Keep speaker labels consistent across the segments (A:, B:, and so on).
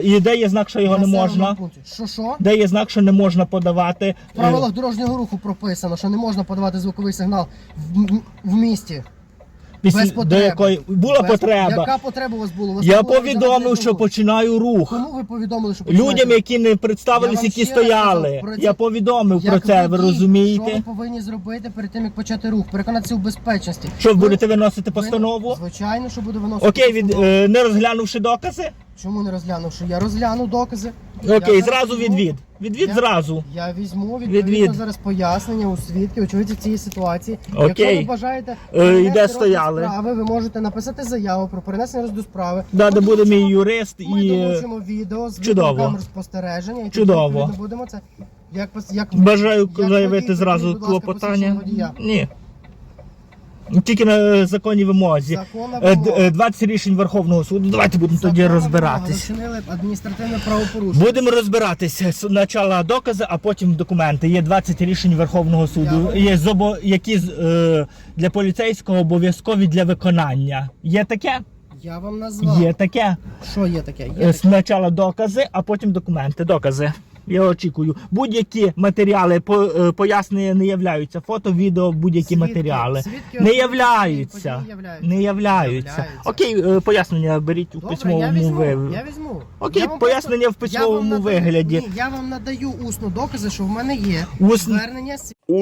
A: І де є знак, що його не можна?
B: Що?
A: Де є знак, що не можна подавати?
B: В правилах дорожнього руху прописано, що не можна подавати звуковий сигнал в місті. Без
A: До
B: потреби.
A: якої була потреба?
B: Яка потреба у вас була?
A: Я повідомив, що починаю рух.
B: Кому ви повідомили, що починаєте?
A: Людям, які не представились, які стояли. Я повідомив про це, ви розумієте?
B: Що ви повинні зробити перед тим, як почати рух? Переконатися у безпечності.
A: Що, ви будете виносити постанову?
B: Звичайно, що буду виносити
A: Окей,
B: постанову.
A: не розглянувши докази?
B: Чому не розглянувши? Я розгляну докази.
A: Окей,
B: Я
A: зразу
B: візьму-
A: відвід. Відвід
B: Я-
A: зразу.
B: Я візьму відповідно
A: Відвід.
B: зараз пояснення у свідків, очевидці цієї ситуації.
A: Окей.
B: Якщо ви бажаєте
A: І
B: перенести
A: де
B: розгляд
A: стояли?
B: справи, ви можете написати заяву про перенесення розгляду справи.
A: Да, де буде мій юрист
B: Ми
A: і...
B: долучимо відео з
A: Чудово.
B: відеокамер спостереження. І
A: Чудово.
B: відповідно будемо це... як
A: Бажаю
B: як
A: заявити
B: водій,
A: зразу
B: будь ласка,
A: клопотання.
B: посвідчення водія.
A: Ні. Тільки на законній вимозі.
B: Законна вимога.
A: 20 рішень Верховного суду. Давайте будемо тоді
B: Законна
A: розбиратись.
B: вимога. Ви вчинили адміністративне правопорушення.
A: Будемо розбиратися. Спочатку докази, а потім документи. Є 20 рішень Верховного суду, які для поліцейського обов'язкові для виконання. Є таке?
B: Я вам назвав.
A: Є таке.
B: Що є таке? Є таке.
A: Спочатку докази, а потім документи. Докази. Я очікую. Будь-які матеріали, пояснення не являються. Фото, відео, будь-які
B: Свідки-
A: матеріали.
B: свідки
A: Не
B: одної
A: являються.
B: події являються.
A: Не являються. Окей, пояснення беріть у
B: Добре,
A: письмовому вигляді.
B: Я візьму.
A: Окей,
B: Я вам
A: пояснення в
B: просто- я вам
A: письмовому
B: надаю-
A: вигляді.
B: Ні, я вам надаю усно докази, що в мене є
A: Усно.
B: звернення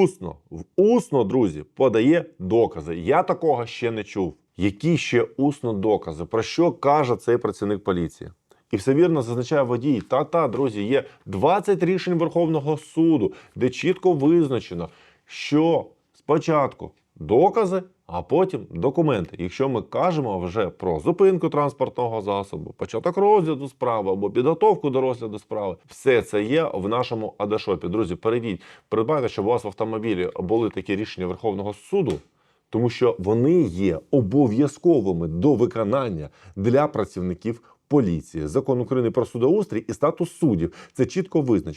C: Усно, друзі, подає докази. Я такого ще не чув. Які ще усно докази? Про що каже цей працівник поліції? І все вірно зазначає водій. Та, друзі, є 20 рішень Верховного суду, де чітко визначено, що спочатку докази, а потім документи. Якщо ми кажемо вже про зупинку транспортного засобу, початок розгляду справи або підготовку до розгляду справи, все це є в нашому Адашопі. Друзі, перейдіть, придбайте, щоб у вас в автомобілі були такі рішення Верховного суду, тому що вони є обов'язковими до виконання для працівників поліції. Закон України про судоустрій і статус суддів. Це чітко визначено.